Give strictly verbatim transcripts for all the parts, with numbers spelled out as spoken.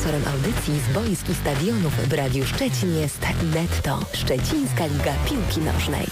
Sponsorem audycji z boisk i stadionów w Radiu Szczecin jest Netto, Szczecińska Liga Piłki Nożnej.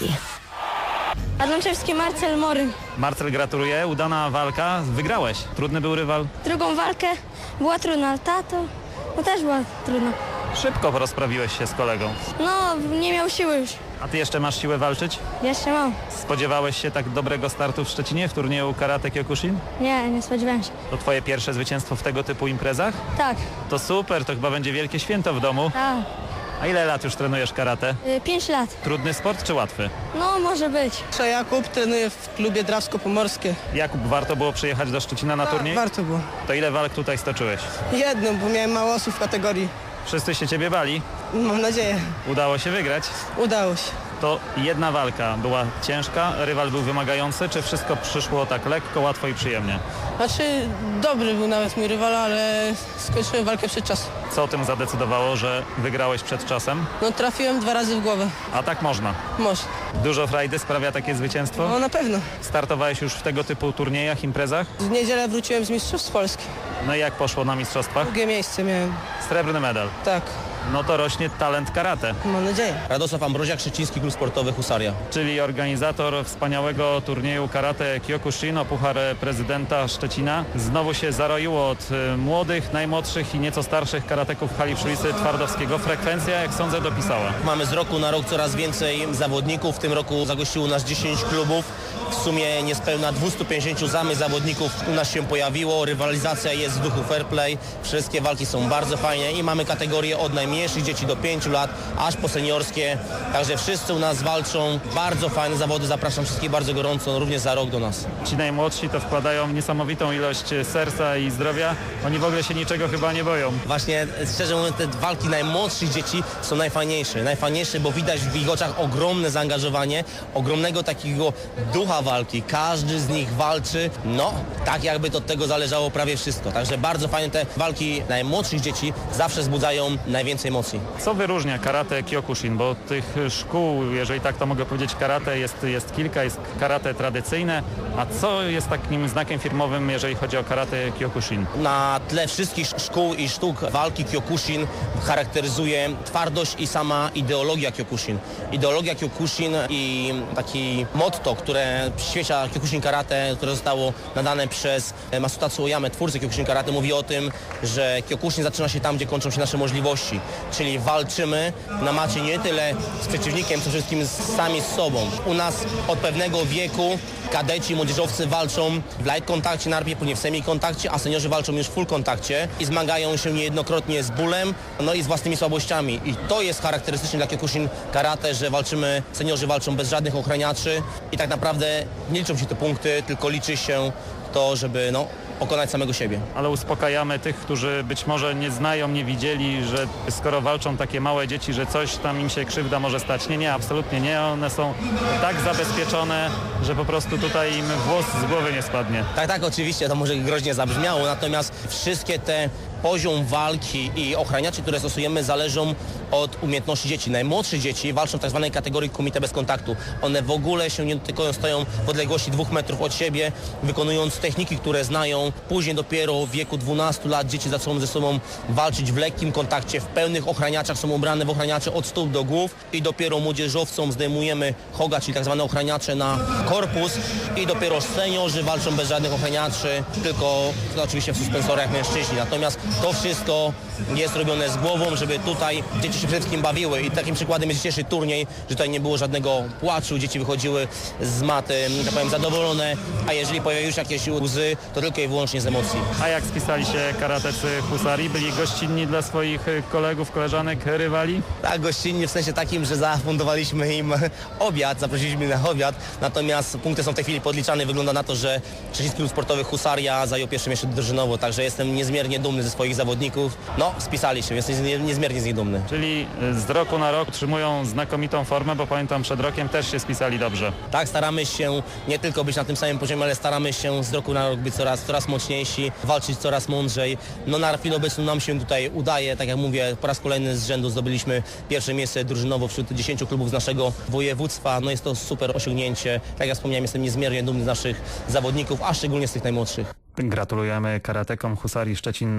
Adamczewski Marcel Moryn. Marcel, gratuluję. Udana walka. Wygrałeś. Trudny był rywal? Drugą walkę była trudna, ale ta to no też była trudna. Szybko rozprawiłeś się z kolegą. No, nie miał siły już. A ty jeszcze masz siłę walczyć? Jeszcze mam. Spodziewałeś się tak dobrego startu w Szczecinie w turnieju Karate Kyokushin? Nie, nie spodziewałem się. To twoje pierwsze zwycięstwo w tego typu imprezach? Tak, To super, to chyba będzie wielkie święto w domu. tak. A ile lat już trenujesz karate? Y, Pięć lat. Trudny sport czy łatwy? No, może być. Jakub trenuje w klubie Drawsko-Pomorskie. Jakub, warto było przyjechać do Szczecina na turniej? Warto było. To ile walk tutaj stoczyłeś? Jedną, bo miałem mało osób w kategorii. Wszyscy się ciebie bali? Mam nadzieję. Udało się wygrać? Udało się. To jedna walka była ciężka, rywal był wymagający, czy wszystko przyszło tak lekko, łatwo i przyjemnie? Znaczy, dobry był nawet mój rywal, ale skończyłem walkę przed czasem. Co o tym zadecydowało, że wygrałeś przed czasem? No trafiłem dwa razy w głowę. A tak można. Może. Dużo frajdy sprawia takie zwycięstwo? No na pewno. Startowałeś już w tego typu turniejach, imprezach? W niedzielę wróciłem z Mistrzostw Polski. No i jak poszło na mistrzostwach? Drugie miejsce miałem. Srebrny medal. Tak, No to rośnie talent karate, mam nadzieję. Radosław Ambroziak, Szczeciński Klub Sportowy Husaria. czyli organizator wspaniałego turnieju Karate Kyokushin o Puchar Prezydenta Szczecina. Znowu się zaroiło od y, młodych, najmłodszych i nieco starszych karateków w hali przy ulicy Twardowskiego. Frekwencja, jak sądzę, dopisała. Mamy z roku na rok coraz więcej zawodników. W tym roku zagościło nas dziesięć klubów. W sumie niespełna dwieście pięćdziesiąt zamych zawodników u nas się pojawiło. Rywalizacja jest w duchu fair play. Wszystkie walki są bardzo fajne i mamy kategorie od najmniejszych dzieci do pięciu lat, aż po seniorskie. Także wszyscy u nas walczą. Bardzo fajne zawody. Zapraszam wszystkich bardzo gorąco, również za rok do nas. Ci najmłodsi to wkładają niesamowitą ilość serca i zdrowia. Oni w ogóle się niczego chyba nie boją. Właśnie, szczerze mówiąc, te walki najmłodszych dzieci są najfajniejsze. Najfajniejsze, bo widać w ich oczach ogromne zaangażowanie, ogromnego takiego ducha walki. Każdy z nich walczy, no, tak jakby to od tego zależało prawie wszystko. Także bardzo fajne te walki najmłodszych dzieci zawsze wzbudzają najwięcej emocji. Co wyróżnia karate Kyokushin? Bo tych szkół, jeżeli tak to mogę powiedzieć, karate jest, jest kilka, jest karate tradycyjne. A co jest takim znakiem firmowym, jeżeli chodzi o karate Kyokushin? Na tle wszystkich szkół i sztuk walki Kyokushin charakteryzuje twardość i sama ideologia Kyokushin. Ideologia Kyokushin i taki motto, które przyświeca Kyokushin Karate, które zostało nadane przez Masutatsu Oyamę, twórcę Kyokushin Karate, mówi o tym, że Kyokushin zaczyna się tam, gdzie kończą się nasze możliwości. Czyli walczymy na macie nie tyle z przeciwnikiem, co wszystkim z, sami z sobą. U nas od pewnego wieku kadeci, młodzieżowcy walczą w light kontakcie najpierw, później w semi kontakcie, a seniorzy walczą już w full kontakcie i zmagają się niejednokrotnie z bólem, no i z własnymi słabościami. I to jest charakterystyczne dla Kyokushin Karate, że walczymy, seniorzy walczą bez żadnych ochraniaczy i tak naprawdę nie liczą się te punkty, tylko liczy się to, żeby no, pokonać samego siebie. Ale uspokajamy tych, którzy być może nie znają, nie widzieli, że skoro walczą takie małe dzieci, że coś tam im się krzywda może stać. Nie, nie, absolutnie nie. One są tak zabezpieczone, że po prostu tutaj im włos z głowy nie spadnie. Tak, tak, oczywiście, to może groźnie zabrzmiało, natomiast wszystkie te poziom walki i ochraniaczy, które stosujemy, zależą od umiejętności dzieci. Najmłodsze dzieci walczą w tak zwanej kategorii kumite bez kontaktu. One w ogóle się nie dotykają, stoją w odległości dwóch metrów od siebie, wykonując techniki, które znają. Później dopiero w wieku dwunastu lat dzieci zaczną ze sobą walczyć w lekkim kontakcie, w pełnych ochraniaczach, są ubrane w ochraniacze od stóp do głów i dopiero młodzieżowcom zdejmujemy hoga, czyli tak zwane ochraniacze na korpus i dopiero seniorzy walczą bez żadnych ochraniaczy, tylko no, oczywiście w suspensorach mężczyźni. Natomiast to wszystko jest robione z głową, żeby tutaj dzieci się przede wszystkim bawiły i takim przykładem jest dzisiejszy turniej, że tutaj nie było żadnego płaczu, dzieci wychodziły z maty, tak powiem, zadowolone, a jeżeli pojawiły się jakieś łzy, to tylko i wyłącznie z emocji. A jak spisali się karatecy Husarii? Byli gościnni dla swoich kolegów, koleżanek, rywali? Tak, gościnnie w sensie takim, że zafundowaliśmy im obiad, zaprosiliśmy na obiad, natomiast punkty są w tej chwili podliczane. Wygląda na to, że Szczeciński Klub Sportowy Husaria zajął pierwsze miejsce drużynowo, także jestem niezmiernie dumny ze swoich zawodników. No, spisali się, jestem niezmiernie z nich dumny. Czyli z roku na rok utrzymują znakomitą formę, bo pamiętam przed rokiem też się spisali dobrze. Tak, staramy się nie tylko być na tym samym poziomie, ale staramy się z roku na rok być coraz, coraz mocniejsi, walczyć coraz mądrzej. No na chwilę obecną nam się tutaj udaje, tak jak mówię, po raz kolejny z rzędu zdobyliśmy pierwsze miejsce drużynowo wśród dziesięciu klubów z naszego województwa. No jest to super osiągnięcie. Tak jak wspomniałem, jestem niezmiernie dumny z naszych zawodników, a szczególnie z tych najmłodszych. Gratulujemy karatekom Husarii Szczecin.